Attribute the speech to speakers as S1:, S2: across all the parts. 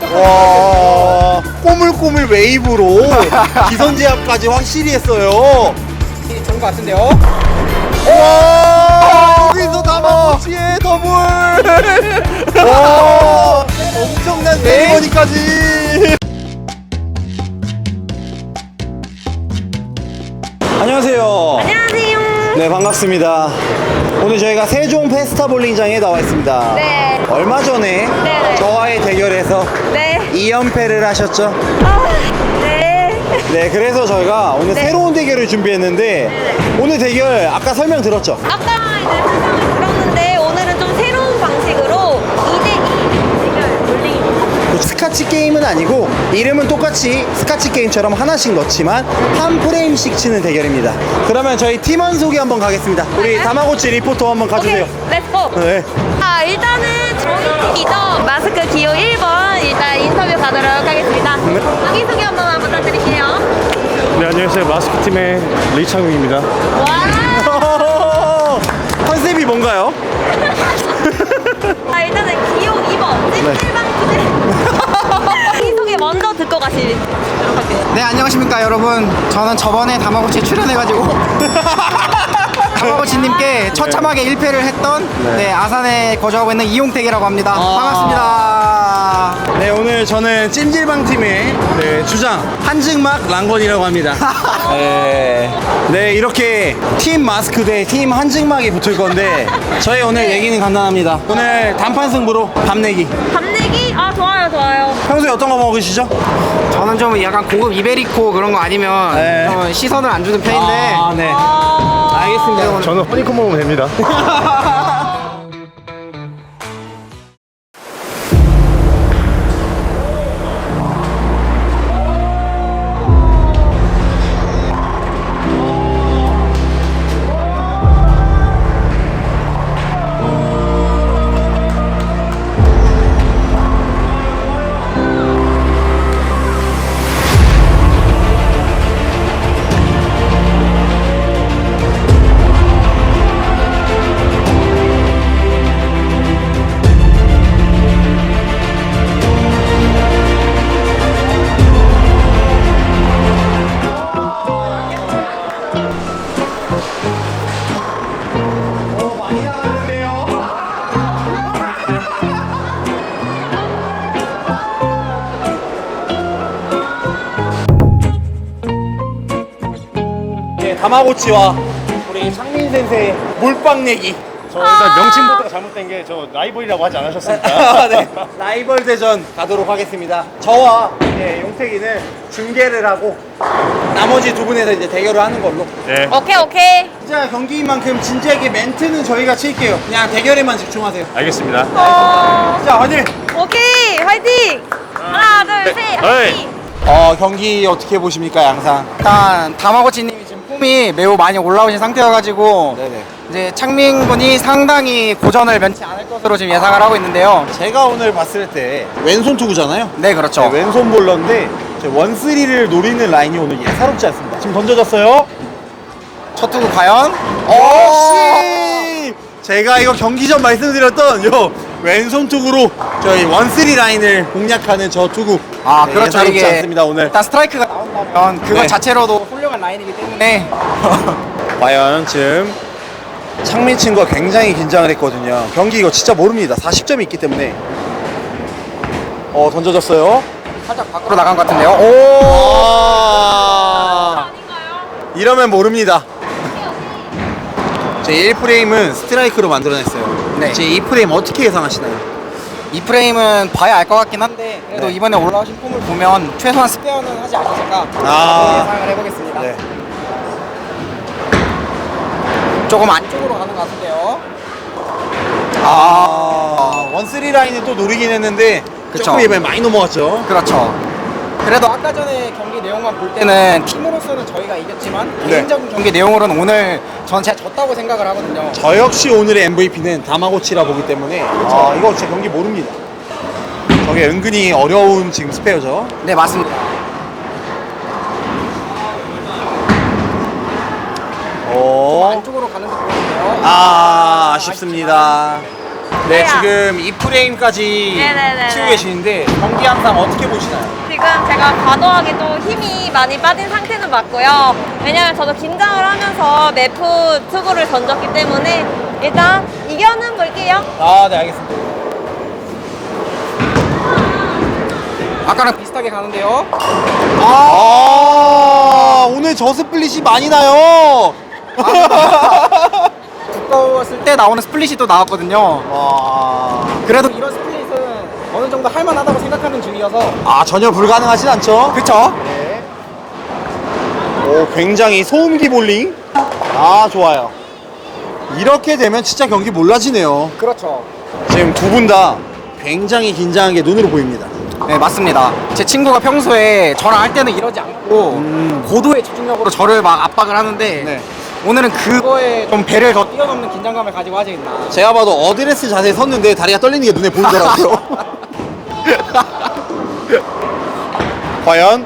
S1: 와, 꼬물꼬물 웨이브로 기선 제압까지 확실히 했어요.
S2: 좋은 것 같은데요?
S1: 와, 여기서 다마고치의 더블. 와, 엄청난 세리머니까지. 안녕하세요.
S3: 안녕하세요.
S1: 네, 반갑습니다. 오늘 저희가 세종 페스타 볼링장에 나와 있습니다.
S3: 네.
S1: 얼마 전에
S3: 네네.
S1: 저와의 대결에서
S3: 네.
S1: 2연패를 하셨죠?
S3: 네.
S1: 네, 그래서 저희가 오늘
S3: 네.
S1: 새로운 대결을 준비했는데 오늘 대결 아까 설명 들었죠?
S3: 아까 이제 설명을 들었는데 오늘은 좀 새로운 방식으로 2대2 대결 볼링입니다.
S1: 스카치 게임은 아니고 이름은 똑같이 스카치 게임처럼 하나씩 넣지만 한 프레임씩 치는 대결입니다. 그러면 저희 팀원 소개 한번 가겠습니다. 우리
S3: 네.
S1: 다마고치 리포터 한번 가주세요.
S3: 오케이, 렛츠고.
S1: 네.
S3: 일단은 저희 팀이죠. 마스크 기호 1번 일단 인터뷰 가도록 하겠습니다. 자기소개 한번 부탁드릴게요.
S4: 네, 안녕하세요. 마스크팀의 리창욱입니다.
S3: 와.
S1: 컨셉이 뭔가요?
S3: 일단은 기호 2번 찜질방 주제. 자기소개 먼저 듣고 가시도록 할게요.
S2: 네, 안녕하십니까 여러분. 저는 저번에 다마고치에 출연해가지고 다마고치님께 처참하게 1패를 했던 네, 아산에 거주하고 있는 이용택이라고 합니다. 반갑습니다.
S1: 네, 오늘 저는 찜질방 팀의 주장 한증막 랑건이라고 합니다. 네, 이렇게 팀 마스크 대 팀 한증막이 붙을 건데 저희 오늘 얘기는 간단합니다. 오늘 단판 승부로 밥 내기.
S3: 밥 내기? 좋아요.
S1: 평소에 어떤 거 먹으시죠?
S2: 저는 좀 약간 고급 이베리코 그런 거 아니면
S1: 네.
S2: 좀 시선을 안 주는 편인데
S1: 네.
S3: 아.
S1: 알겠습니다.
S4: 저는 허니콤 먹으면 됩니다.
S1: 네, 다마고치와 우리 상민 센세의 몰빵 내기.
S4: 저 일단 명칭부터 잘못된 게 저 라이벌이라고 하지 않으셨습니까?
S1: 네, 라이벌 대전 가도록 하겠습니다. 저와 용택이는 중계를 하고 나머지 두 분에서 이제 대결을 하는 걸로.
S4: 네.
S3: 오케이.
S1: 진짜 경기인 만큼 진지하게 멘트는 저희가 칠게요. 그냥 대결에만 집중하세요.
S4: 알겠습니다.
S1: 자, 화이팅!
S3: 오케이, 화이팅! 하나, 둘, 셋, 화이팅!
S1: 경기 어떻게 보십니까, 양상?
S2: 일단 다마고치님이 지금 폼이 매우 많이 올라오신 상태여가지고
S1: 네네.
S2: 이제 창민 군이 상당히 고전을 면치 않을 것으로 지금 예상을 하고 있는데요.
S1: 제가 오늘 봤을 때 왼손 투구잖아요.
S2: 네, 그렇죠.
S1: 네, 왼손 볼러인데 원쓰리를 노리는 라인이 오늘 예사롭지 않습니다. 지금 던져졌어요.
S2: 첫 투구 과연?
S1: 역시 제가 이거 경기 전 말씀드렸던 요 왼손 투구로 저희 원쓰리 라인을 공략하는 저 투구. 네,
S2: 그렇죠.
S1: 예사롭지
S2: 이게
S1: 않습니다 오늘.
S2: 일단 스트라이크가 나온다면 그것
S1: 네.
S2: 자체로도 훌륭한 라인이기 때문에
S1: 과연 지금 창민 친구가 굉장히 긴장을 했거든요. 경기 이거 진짜 모릅니다. 40점이 있기 때문에. 던져졌어요.
S2: 살짝 밖으로 나간 것 같은데요.
S1: 이러면 모릅니다. 제 1프레임은 스트라이크로 만들어냈어요.
S2: 네.
S1: 제 2프레임 어떻게 예상하시나요?
S2: 이 프레임은 봐야 알 것 같긴 한데 그래도
S1: 네.
S2: 이번에 올라오신 폼을 보면 최소한 스페어는 하지 않으실까 예상을 해보겠습니다.
S1: 네.
S2: 조금 안쪽으로 가는 것 같은데요.
S1: 원쓰리 라인은 또 노리긴 했는데
S2: 그쵸.
S1: 조금 이번에 많이 넘어갔죠.
S2: 그렇죠. 그래도 아까 전에 경기 내용만 볼 때는 팀으로서는 저희가 이겼지만
S1: 네.
S2: 개인적인 경기 내용으로는 오늘 전 제가 졌다고 생각을 하거든요.
S1: 저 역시 오늘의 MVP는 다마고치라 보기 때문에 이거 진짜 경기 모릅니다. 저게 은근히 어려운 지금 스페어죠.
S2: 네, 맞습니다.
S1: 오.
S2: 안쪽으로 가는 듯 보이는데요.
S1: 아쉽습니다. 네,
S3: 네.
S1: 지금 이 프레임까지
S3: 네네네네.
S1: 치고 계시는데 경기 항상 어떻게 보시나요?
S3: 지금 제가 과도하게 또 힘이 많이 빠진 상태는 맞고요. 왜냐면 저도 긴장을 하면서 매프 투구를 던졌기 때문에 일단 이겨는 볼게요.
S1: 아, 네, 알겠습니다.
S2: 아까랑 비슷하게 가는데요.
S1: 아, 오늘 저 스플릿이 많이 나요.
S2: 두꺼웠을 때 나오는 스플릿이 또 나왔거든요.
S1: 와.
S2: 그래도 이런 스플릿은 어느 정도 할만하다고 생각하는 중이어서.
S1: 아, 전혀 불가능하진 않죠?
S2: 그쵸?
S1: 오, 굉장히 소음기 볼링. 아, 좋아요. 이렇게 되면 진짜 경기 몰라지네요.
S2: 그렇죠.
S1: 지금 두 분 다 굉장히 긴장한 게 눈으로 보입니다.
S2: 네, 맞습니다. 제 친구가 평소에 저랑 할 때는 이러지 않고 고도의 집중력으로 저를 막 압박을 하는데
S1: 네.
S2: 오늘은 그거에 좀 배를 더 뛰어넘는 긴장감을 가지고 하지 있나.
S1: 제가 봐도 어드레스 자세에 섰는데 다리가 떨리는 게 눈에 보이더라고요. 과연?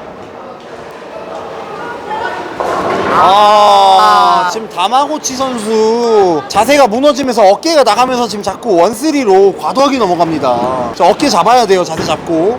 S1: 지금 다마고치 선수 자세가 무너지면서 어깨가 나가면서 지금 자꾸 원쓰리로 과도하게 넘어갑니다. 저 어깨 잡아야 돼요, 자세 잡고.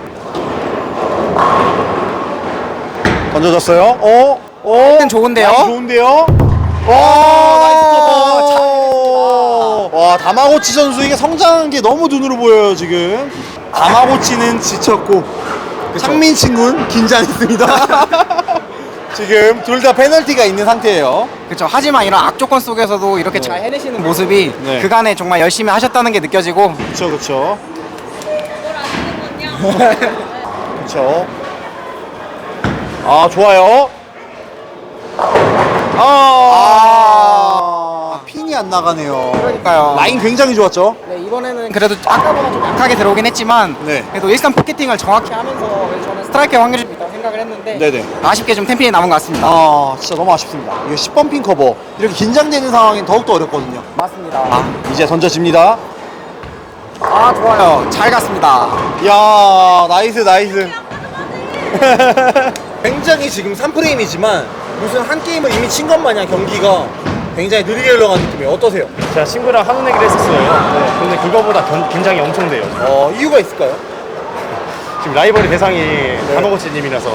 S1: 던져졌어요.
S2: 라인 좋은데요?
S1: 라인 좋은데요? 나이스 커버. 와, 다마고치 선수 이게 성장한 게 너무 눈으로 보여요, 지금. 다마고치는 지쳤고, 창민 친구는 긴장했습니다. 지금 둘 다 페널티가 있는 상태예요.
S2: 그렇죠. 하지만 이런 악조건 속에서도 이렇게 잘 해내시는 모습이
S1: 네.
S2: 그간에 정말 열심히 하셨다는 게 느껴지고.
S1: 그쵸, 그쵸.
S3: 뭘 아시는군요.
S1: 그쵸. 아, 좋아요. 핀이 안 나가네요.
S2: 그러니까요.
S1: 라인 굉장히 좋았죠?
S2: 네, 이번에는 그래도 아까보다 좀 약하게 들어오긴 했지만
S1: 네.
S2: 그래도 일단 포켓팅을 정확히 하면서 그래서 저는 스트라이크의 확률이 좀 있다고 생각을 했는데
S1: 네네.
S2: 아쉽게 좀 템핀이 남은 것 같습니다.
S1: 진짜 너무 아쉽습니다. 이거 10번 핀 커버. 이렇게 긴장되는 상황엔 더욱더 어렵거든요.
S2: 맞습니다.
S1: 이제 던져집니다.
S2: 좋아요. 잘 갔습니다.
S1: 이야, 나이스, 나이스. 굉장히 지금 3프레임이지만 무슨 한 게임을 이미 친 것 마냥 경기가 굉장히 느리게 흘러간 느낌이에요. 어떠세요?
S4: 제가 친구랑 하는 얘기를 했었어요. 근데 그거보다 긴장이 엄청 돼요.
S1: 이유가 있을까요?
S4: 지금 라이벌의 대상이 다마고치님이라서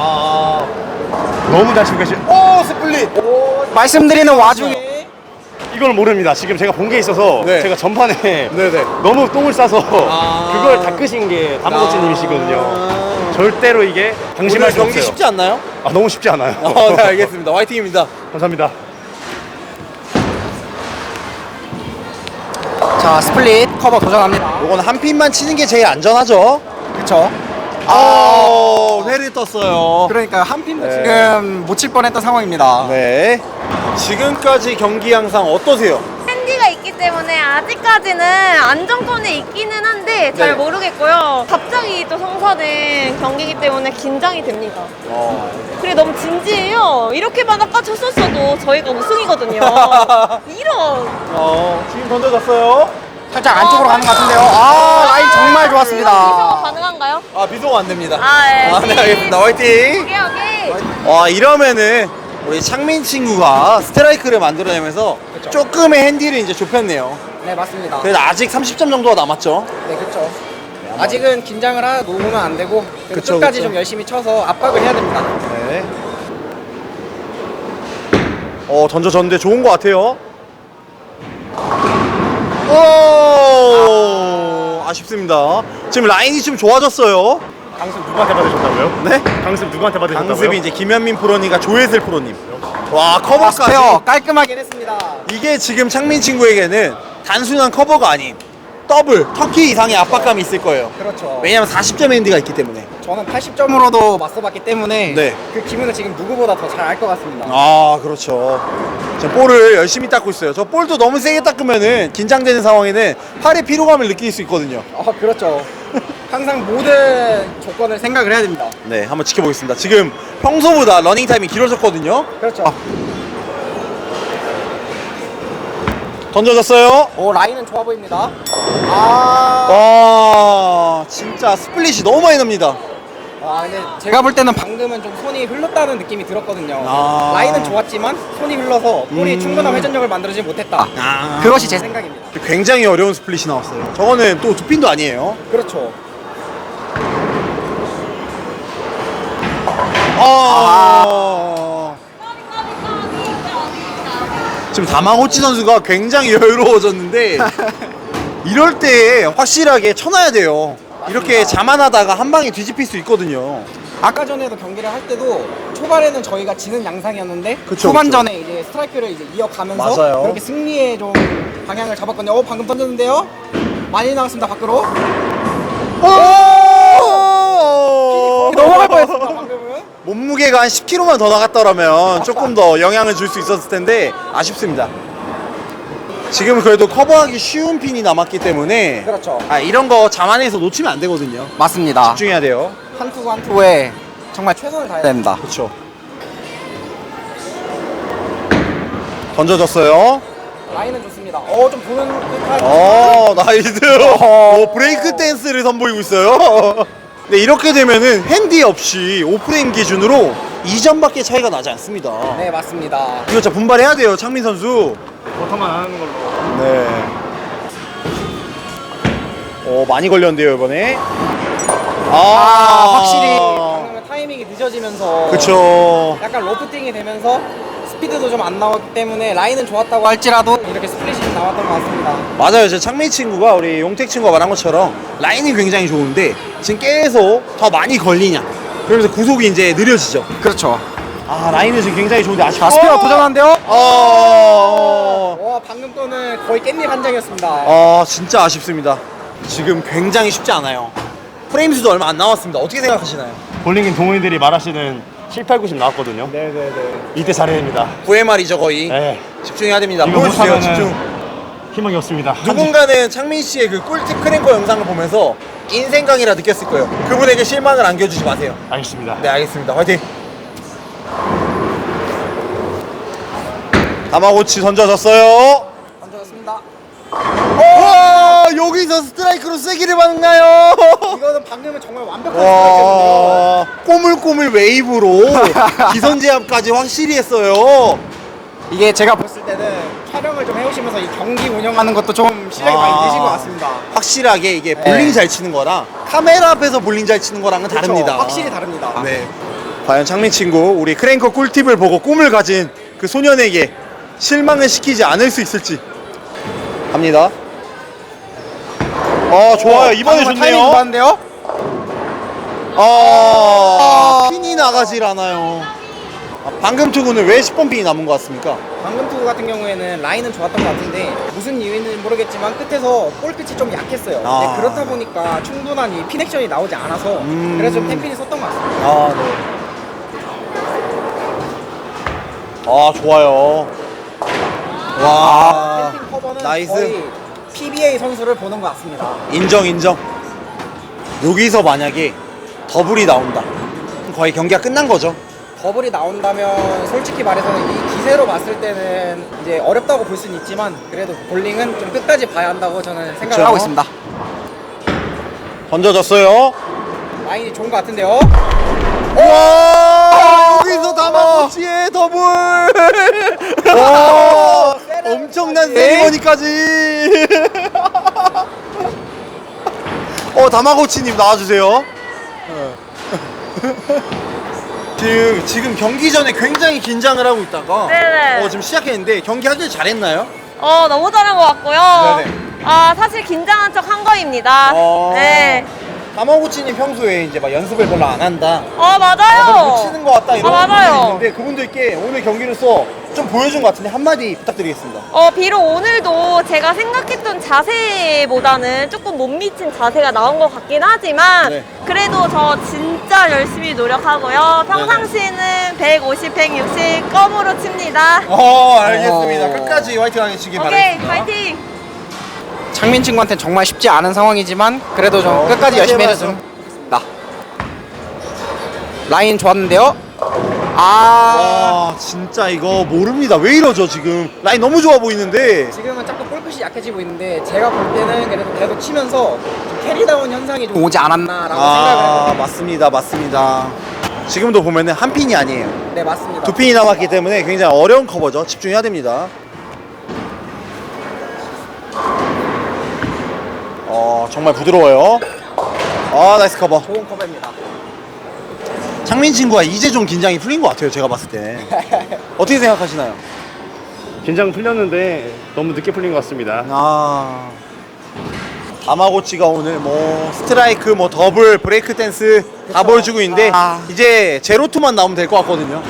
S4: 너무 잘 치고 계시.
S1: 스플릿!
S2: 말씀드리는 와중에
S4: 이걸 모릅니다. 지금 제가 본 게 있어서
S1: 네.
S4: 제가 전판에
S1: 네네.
S4: 너무 똥을 싸서 그걸 닦으신 게 다마고치님이시거든요. 절대로 이게 방심할
S1: 오늘
S4: 수
S1: 경기
S4: 없어요.
S1: 쉽지 않나요?
S4: 너무 쉽지 않아요.
S1: 네, 알겠습니다. 화이팅입니다.
S4: 감사합니다.
S2: 자, 스플릿 커버 도전합니다.
S1: 요건 한 핀만 치는 게 제일 안전하죠.
S2: 그쵸?
S1: 회를 떴어요.
S2: 그러니까 한 핀도
S1: 네.
S2: 지금 못 칠 뻔했던 상황입니다.
S1: 네. 지금까지 경기 양상 어떠세요?
S3: 핸디가 있기 때문에 아직까지는 안정권에 있기는 한데 잘
S1: 네.
S3: 모르겠고요. 갑자기 또 성사된 경기이기 때문에 긴장이 됩니다. 그리고 너무 진지해요. 이렇게만 아까 쳤었어도 저희가 우승이거든요. 이런.
S1: 지금 던져졌어요.
S2: 살짝 안쪽으로 가는 것 같은데요. 라인 정말
S3: 이거
S2: 좋았습니다.
S3: 가능한가요?
S1: 비속어 안 됩니다.
S3: 네.
S1: 네, 알겠습니다. 화이팅.
S3: 오케이.
S1: 이러면은 우리 창민 친구가 스트라이크를 만들어내면서 조금의 핸디를 이제 좁혔네요.
S2: 네, 맞습니다.
S1: 그래도 아직 30점 정도가 남았죠.
S2: 네, 그렇죠. 아직은 긴장을 놓으면 안 되고
S1: 그쵸,
S2: 끝까지
S1: 그쵸.
S2: 좀 열심히 쳐서 압박을 해야 됩니다.
S1: 네. 던져졌는데 좋은 것 같아요. 아쉽습니다. 지금 라인이 좀 좋아졌어요.
S4: 강습 누구한테 받으셨다고요?
S1: 네?
S4: 강습 누구한테 받으셨다고요?
S1: 강습이 이제 김현민 프로님과 조혜슬 프로님. 와, 커버까지.
S2: 스페어 깔끔하게 했습니다.
S1: 이게 지금 창민 친구에게는 단순한 커버가 아닌 더블, 터키 이상의 압박감이 있을 거예요.
S2: 그렇죠.
S1: 왜냐면 40점 핸디가 있기 때문에.
S2: 저는 80점으로도 맞서봤기 때문에
S1: 네.
S2: 그 기분을 지금 누구보다 더 잘 알 것 같습니다.
S1: 그렇죠. 지금 볼을 열심히 닦고 있어요. 저 볼도 너무 세게 닦으면은 긴장되는 상황에는 팔의 피로감을 느낄 수 있거든요.
S2: 그렇죠. 항상 모든 조건을 생각을 해야 됩니다.
S1: 네, 한번 지켜보겠습니다. 지금 평소보다 러닝 타임이 길어졌거든요.
S2: 그렇죠.
S1: 던져졌어요.
S2: 라인은 좋아 보입니다.
S1: 와, 진짜 스플릿이 너무 많이 납니다.
S2: 근데 제가 볼 때는 방금은 좀 손이 흘렀다는 느낌이 들었거든요. 라인은 좋았지만 손이 흘러서 볼이 충분한 회전력을 만들어지지 못했다. 그것이 제 생각입니다.
S1: 굉장히 어려운 스플릿이 나왔어요. 저거는 또 두 핀도 아니에요.
S2: 그렇죠.
S1: 지금 다마고치 선수가 굉장히 여유로워졌는데 이럴 때 확실하게 쳐놔야 돼요. 이렇게 자만하다가 한 방에 뒤집힐 수 있거든요.
S2: 아까 전에도 경기를 할 때도 초반에는 저희가 지는 양상이었는데
S1: 그쵸,
S2: 후반전에 이제 스트라이크를 이제 이어가면서
S1: 맞아요.
S2: 그렇게 승리에 좀 방향을 잡았거든요. 방금 던졌는데요. 많이 나왔습니다 밖으로. 넘어갈 뻔했습니다 방금은.
S1: 몸무게가 한 10kg만 더 나갔더라면 조금 더 영향을 줄 수 있었을 텐데 아쉽습니다. 지금 그래도 커버하기 쉬운 핀이 남았기 때문에
S2: 그렇죠.
S1: 이런 거 자만해서 놓치면 안 되거든요.
S2: 맞습니다.
S1: 집중해야 돼요.
S2: 한 투구 한 투구에 정말 최선을 다해야 됩니다.
S1: 그렇죠. 던져졌어요.
S2: 라인은 좋습니다. 좀 보는 듯한.
S1: 나이스. 브레이크 댄스를 선보이고 있어요. 네, 이렇게 되면은 핸디 없이 오프레임 기준으로 2점밖에 차이가 나지 않습니다.
S2: 네 맞습니다.
S1: 이거 진짜 분발해야 돼요, 창민 선수.
S4: 버터만 안 하는 걸로.
S1: 네. 많이 걸렸는데요, 이번에.
S2: 확실히 방금은 타이밍이 늦어지면서
S1: 그쵸.
S2: 약간 로프팅이 되면서 스피드도 좀 안 나왔기 때문에 라인은 좋았다고 할지라도 이렇게 스플릿이 좀 나왔던 것 같습니다.
S1: 맞아요. 제 창민 친구가 우리 용택 친구가 말한 것처럼 라인이 굉장히 좋은데 지금 계속 더 많이 걸리냐. 그러면서 구속이 이제 느려지죠.
S2: 그렇죠.
S1: 라인은 지금 굉장히 좋은데 아쉽고.
S2: 자 스피어 도전한대요.
S1: 어.
S2: 와 방금 거는 거의 깻잎 한 장이었습니다.
S1: 진짜 아쉽습니다. 지금 굉장히 쉽지 않아요. 프레임 수도 얼마 안 나왔습니다. 어떻게 생각하시나요?
S4: 볼링인 동호인들이 말하시는 7, 8, 90 나왔거든요.
S1: 네네네.
S4: 이때 잘해야 됩니다.
S1: 9회말이죠 거의.
S4: 네.
S1: 집중해야 됩니다.
S4: 이거
S1: 보여주세요.
S4: 못하면은
S1: 집중.
S4: 희망이 없습니다.
S1: 누군가는 창민 씨의 그 꿀팁 크랭커 영상을 보면서 인생 강이라 느꼈을 거예요. 그분에게 실망을 안겨주지 마세요.
S4: 알겠습니다.
S1: 네, 알겠습니다. 화이팅. 다마고치 던져졌어요.
S2: 던져졌습니다.
S1: 와, 여기서 스트라이크로 세기를 받나요?
S2: 이거는 방금은 정말 완벽한 스트라이크였는데요.
S1: 와, 꼬물꼬물 웨이브로 기선 제압까지 확실히 했어요.
S2: 이게 제가 봤을 때는 촬영을 좀 해오시면서 이 경기 운영하는 것도 좀 실력이 많이 느신 것 같습니다.
S1: 확실하게 이게 볼링
S2: 네.
S1: 잘 치는 거랑 카메라 앞에서 볼링 잘 치는 거랑은 다릅니다.
S2: 그렇죠. 확실히 다릅니다.
S1: 네. 과연 창민 친구 우리 크랭커 꿀팁을 보고 꿈을 가진 그 소년에게 실망을 시키지 않을 수 있을지. 갑니다. 좋아요. 이번에
S2: 방금은 타이밍
S1: 좋네요.
S2: 좋았는데요.
S1: 핀이 나가질 않아요. 방금 투구는 왜 10번 핀이 남은 것 같습니까?
S2: 방금 투구 같은 경우에는 라인은 좋았던 것 같은데 무슨 이유인지는 모르겠지만 끝에서 볼 끝이 좀 약했어요.
S1: 아.
S2: 네, 그렇다 보니까 충분한 이 핀 액션이 나오지 않아서 그래서 좀 템핀이 썼던 것 같습니다.
S1: 네. 좋아요. 와.
S2: 템핀 커버는
S1: 나이스.
S2: 거의 PBA 선수를 보는 것 같습니다.
S1: 인정. 여기서 만약에 더블이 나온다. 그럼 거의 경기가 끝난 거죠.
S2: 더블이 나온다면 솔직히 말해서는 이 기세로 봤을 때는 이제 어렵다고 볼 수는 있지만 그래도 볼링은 좀 끝까지 봐야 한다고 저는 생각을
S1: 그쵸?
S2: 하고 있습니다.
S1: 던져졌어요.
S2: 라인이 좋은 것 같은데요.
S1: 와, 여기서 다마고치의 더블. 와, 엄청난 세리머니까지. 다마고치님 나와주세요. 지금 경기 전에 굉장히 긴장을 하고 있다가
S3: 네네.
S1: 지금 시작했는데 경기 하길 잘했나요?
S3: 너무 잘한 것 같고요.
S1: 네네.
S3: 사실 긴장한 척 한 거입니다. 네.
S1: 다마고치님 평소에 이제 막 연습을 별로 안 한다.
S3: 맞아요.
S1: 못 치는 것 같다 이런
S3: 맞아요.
S1: 분들이 있는데 그분들께 오늘 경기로서 좀 보여준 것 같은데 한마디 부탁드리겠습니다.
S3: 비록 오늘도 제가 생각했던 자세보다는 조금 못 미친 자세가 나온 것 같긴 하지만
S1: 네.
S3: 그래도 저 진짜 열심히 노력하고요. 평상시에는 150, 160 껌으로 칩니다.
S1: 알겠습니다. 끝까지 화이팅 하시기
S3: 오케이,
S1: 바라겠습니다.
S3: 파이팅!
S2: 창민 친구한테는 정말 쉽지 않은 상황이지만 그래도 좀 끝까지 열심히 해줬으면 좋겠습니다. 라인 좋았는데요.
S1: 와, 진짜 이거 모릅니다. 왜 이러죠 지금? 라인 너무 좋아 보이는데.
S2: 지금은 자꾸 볼끝이 약해지고 있는데 제가 볼 때는 그래도 계속 치면서 좀 캐리다운 현상이 좀 오지 않았나라고 생각을 해요.
S1: 맞습니다. 지금도 보면은 한 핀이 아니에요.
S2: 네 맞습니다.
S1: 두 핀이 남았기 때문에 굉장히 어려운 커버죠. 집중해야 됩니다. 정말 부드러워요. 아, 나이스 커버.
S2: 좋은 커버입니다.
S1: 창민 친구가 이제 좀 긴장이 풀린 것 같아요. 제가 봤을 때. 어떻게 생각하시나요?
S4: 긴장 풀렸는데 너무 늦게 풀린 것 같습니다.
S1: 아, 다마고치가 오늘 뭐 스트라이크, 뭐 더블, 브레이크 댄스 다 보여주고 있는데 이제 제로투만 나오면 될 것 같거든요.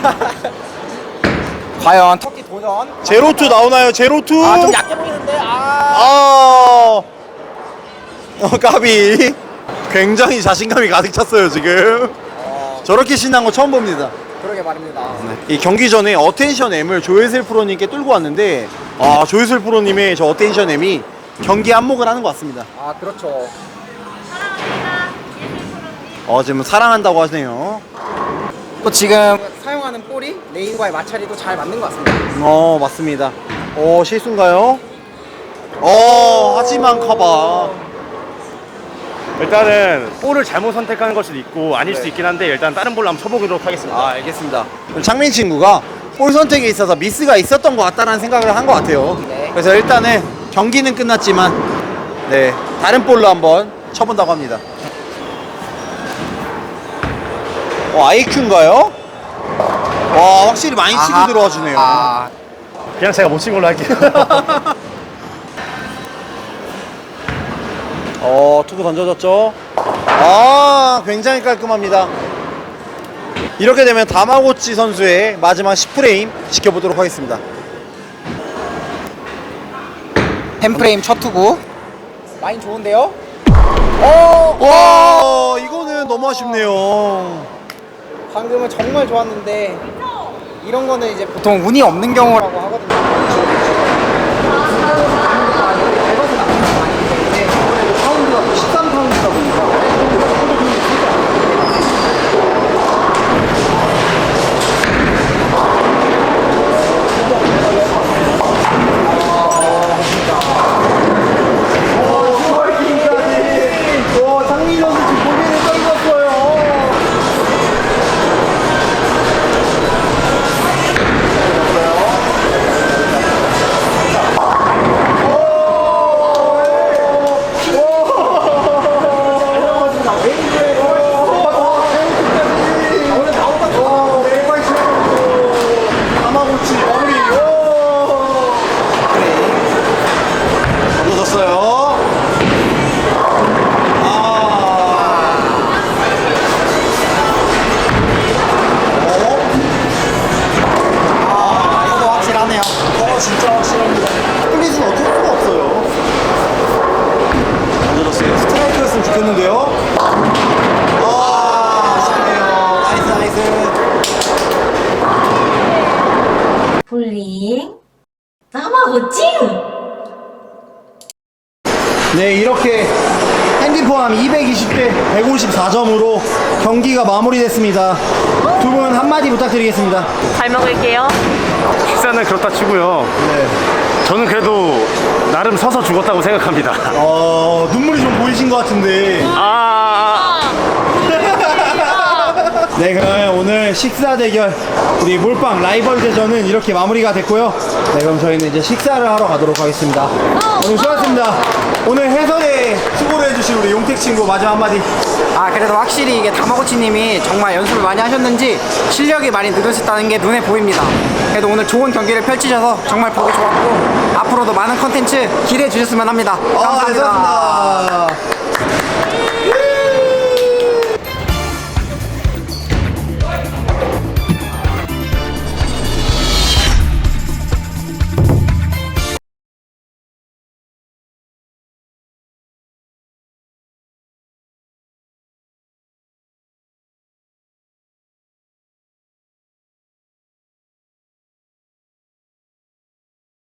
S2: 과연 터키 도전.
S1: 제로투 나오나요? 제로투?
S2: 아, 좀 약해 보이는데. 아.
S1: 까비. 굉장히 자신감이 가득 찼어요 지금. 저렇게 신난 거 처음 봅니다.
S2: 그러게 말입니다.
S1: 이 경기 전에 어텐션 M을 조혜슬 프로님께 뚫고 왔는데 조혜슬 프로님의 저 어텐션 M이 경기 안목을 하는 것 같습니다.
S2: 아, 그렇죠.
S1: 지금 사랑한다고 하시네요.
S2: 또 지금 사용하는 볼이 레인과의 마찰이 또 잘 맞는 것 같습니다.
S1: 맞습니다. 실수인가요? 하지만 커버.
S4: 일단은 볼을 잘못 선택하는 걸 수도 있고 아닐 수도 있긴 한데 일단 다른 볼로 한번 쳐보도록 하겠습니다.
S1: 알겠습니다. 창민 친구가 볼 선택에 있어서 미스가 있었던 것 같다는 생각을 한 것 같아요.
S2: 네.
S1: 그래서 일단은 경기는 끝났지만 다른 볼로 한번 쳐본다고 합니다. IQ인가요? 와, 확실히 많이 치고 들어와 주네요.
S4: 그냥 제가 못 친 걸로 할게요.
S1: 투구 던져졌죠? 굉장히 깔끔합니다. 이렇게 되면 다마고치 선수의 마지막 10프레임 지켜보도록 하겠습니다.
S2: 10프레임 첫 투구. 라인 좋은데요?
S1: 와, 이거는 너무 아쉽네요.
S2: 방금은 정말 좋았는데 이런 거는 이제 보통 운이 없는 경우라고 하거든요.
S1: 파운드가 13파운드다 보니까 장민 선수 지금 고개를 떨궜어요. 다마고치 마무리. 던져졌어요.
S2: 이거 확실하네요.
S1: 진짜 확실합니다. 플릿은 어쩔 수가 없어요. 던져졌어요. 스트라이크였으면 좋겠는데요. 아쉽네요. 나이스.
S5: 볼링 나마고치
S1: 네, 이렇게 핸디 포함 220대 154점으로 경기가 마무리됐습니다. 두 분 한마디 부탁드리겠습니다.
S3: 잘 먹을게요.
S4: 식사는 그렇다 치고요. 저는 그래도 나름 서서 죽었다고 생각합니다.
S1: 눈물이 좀 보이신 것 같은데. 네, 그러면 오늘 식사 대결 우리 몰빵 라이벌 대전은 이렇게 마무리가 됐고요. 네, 그럼 저희는 이제 식사를 하러 가도록 하겠습니다. 오늘 수고하셨습니다. 오늘 해설에 수고를 해주신 우리 용택 친구 마지막 한마디.
S2: 그래도 확실히 이게 다마고치님이 정말 연습을 많이 하셨는지 실력이 많이 늘으셨다는 게 눈에 보입니다. 그래도 오늘 좋은 경기를 펼치셔서 정말 보기 좋았고 앞으로도 많은 컨텐츠 기대해 주셨으면 합니다. 감사합니다.
S1: 네, 수고하셨습니다.